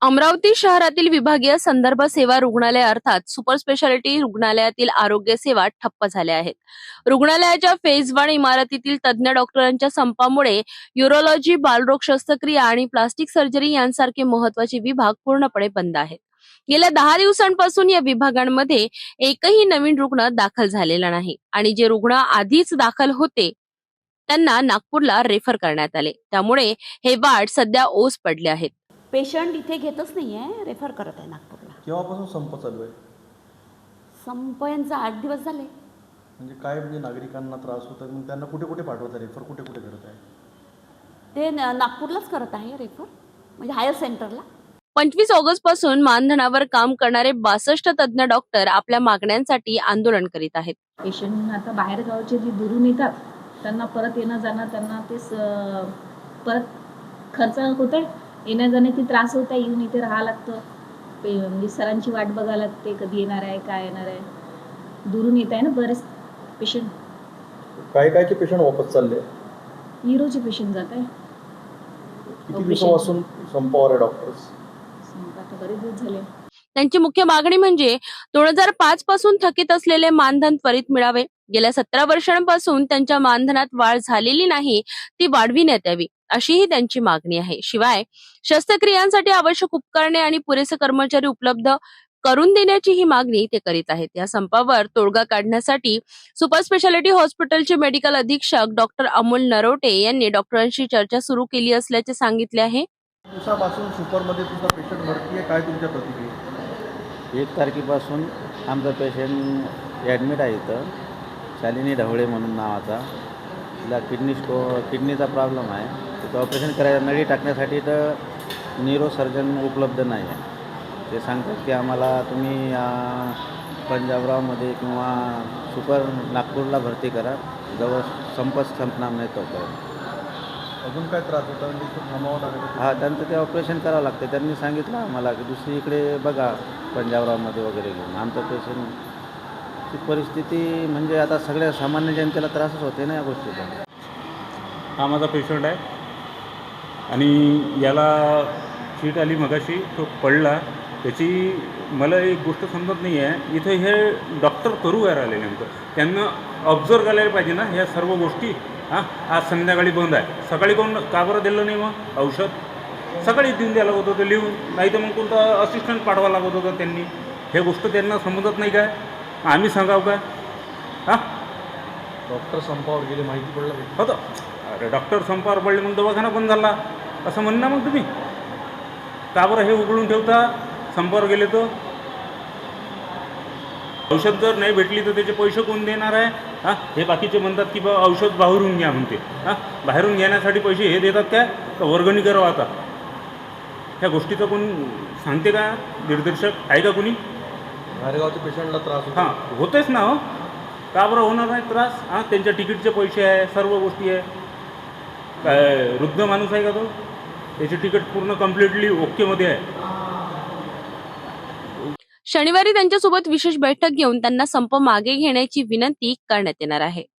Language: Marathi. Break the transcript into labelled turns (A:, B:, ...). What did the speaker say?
A: अमरावती शहरातील विभागीय संदर्भ सेवा रुग्णालय अर्थात सुपर स्पेशालिटी रुग्णालयातील आरोग्य सेवा ठप्प झाल्या आहेत. रुग्णालयाच्या फेज 1 इमारतीतील तज्ञ डॉक्टरांच्या संपामुळे युरोलॉजी, बालरोग शस्त्रक्रिया आणि प्लास्टिक सर्जरी यांसारखे महत्त्वाचे विभाग पूर्णपणे बंद आहेत. गेल्या 10 दिवसांपासून या विभागांमध्ये एकही नवीन रुग्ण दाखल झालेला नाही आणि जे रुग्ण आधीच दाखल होते त्यांना नागपूरला रेफर करण्यात आले. त्यामुळे हे वार्ड सध्या ओस पडले आहेत.
B: पेशंट इथे घेतच नाही आहे, रेफर करत आहे नागपूरला.
C: केव्हापासून संप चालू आहे?
B: संप यांचा 8 दिवस झाले.
C: म्हणजे काय, म्हणजे नागरिकांना त्रास होतात, मग त्यांना कुठे कुठे पाठवतात, रेफर कुठे कुठे करत आहे?
B: ते नागपूरलाच करत आहे रेफर, म्हणजे हायर सेंटरला.
A: 25 ऑगस्ट पासून मानधनावर काम करणारे 62 तज्ञ डॉक्टर आपल्या मागण्यांसाठी आंदोलन करीत आहेत.
D: पेशंट आता बाहेर गावचे जे दुरून येतात त्यांना परत येणं जाणं, त्यांना ते परत खर्च होतोय, येण्या जाण्याची त्रास होत आहे, येऊन इथे राहावं लागतं. म्हणजे सरांची वाट बघायला लागते, कधी येणार आहे, काय येणार आहे. दुरून येत आहे ना बरेच पेशंट.
C: काय काय की पेशंट वापस चालले?
D: न्यूरोचे पेशंट जात आहे.
C: किती दिवसापासून संपावर आहे डॉक्टर्स?
D: आता बरेच दिवस झाले.
A: त्यांची मुख्य मागणी म्हणजे 2005 पासून थकीत असलेले मानधन त्वरित मिळावे. गेल्या 17 वर्षांपासून त्यांच्या मानधनात वाढ झालेली नाही, ती वाढविण्यात यावी अशीही त्यांची मागणी आहे. शिवाय शस्त्रक्रियांसाठी आवश्यक उपकरणे आणि पुरेसे कर्मचारी उपलब्ध करून देण्याची ही मागणी ते करीत आहेत. या संपावर तोडगा काढण्यासाठी सुपर स्पेशालिटी हॉस्पिटलचे मेडिकल अधीक्षक डॉक्टर अमोल नरोटे यांनी डॉक्टरांशी चर्चा सुरू केली असल्याचे सांगितले आहे.
C: दिवसापासून सुपरमध्ये तुमचा पेशंट भरती आहे, काय तुमच्या प्रतिक्रिया?
E: 1 तारखेपासून आमचा पेशंट ॲडमिट आहे इथं. शालिनी ढवळे म्हणून नावाचा. तिला किडनीचा प्रॉब्लेम आहे. तिथं ऑपरेशन करायला नळी टाकण्यासाठी तर न्यूरोसर्जन उपलब्ध नाही आहे. ते सांगतात की आम्हाला तुम्ही पंजाबरावमध्ये किंवा सुपर नागपूरला भरती करा, जवळ संपच संपणार नाही तोपर्यंत.
C: अजून काय त्रास होता? म्हणजे थांबावं लागेल?
E: हां, त्यांचं ते ऑपरेशन करावं लागतं. त्यांनी सांगितलं आम्हाला की दुसरीकडे बघा, पंजाबरावमध्ये वगैरे घेऊन. आमचं पेशंटची परिस्थिती म्हणजे आता सगळ्या सामान्य जनतेला त्रासच होते ना या गोष्टीचा.
F: हा माझा पेशंट आहे आणि याला शीट आली मगाशी, तो पडला. त्याची मला एक गोष्ट समजत नाही आहे, इथं हे डॉक्टर करू काय राहिले नेमकं? त्यांना ऑब्झर्व करायला पाहिजे ना ह्या सर्व गोष्टी. आज संध्याकाळी बंद आहे, सकाळी कोण का बरं दिलं नाही? मग औषध सकाळी देऊन द्यायला लागत होतं लिहून, नाही तर मग कोणता असिस्टंट पाठवा लागत होतं त्यांनी. हे गोष्ट त्यांना समजत नाही काय? आम्ही सांगावं काय?
C: डॉक्टर संपावर गेले, माहिती पडलं
F: होतं. अरे डॉक्टर संपावर पडले मग दवाखाना बंद झाला असं म्हणणं. मग तुम्ही का बरं हे उघडून ठेवता? संपावर गेले तर औषध जर नाही भेटली तर त्याचे पैसे कोण देणार आहे? हे बाकीचे म्हणतात की बा औषध बाहेरून घ्या म्हणते. बाहेरून घेण्यासाठी पैसे हे देतात काय? तर वर्गणी करावं. आता ह्या गोष्टीचं कोण सांगते का? दिग्दर्शक आहे का कोणी?
C: बाहेरगावच्या पेशंटला त्रास होतो.
F: होतेच ना. हो, का बरं होणार नाही त्रास? त्यांच्या तिकीटचे पैसे आहे, सर्व गोष्टी आहे. काय वृद्ध माणूस आहे का तो? त्याची तिकीट पूर्ण कम्प्लिटली ओकेमध्ये आहे.
A: शनिवारी त्यांच्यासोबत विशेष बैठक घेऊन त्यांना संप मागे घेण्याची विनंती करण्यात येणार आहे.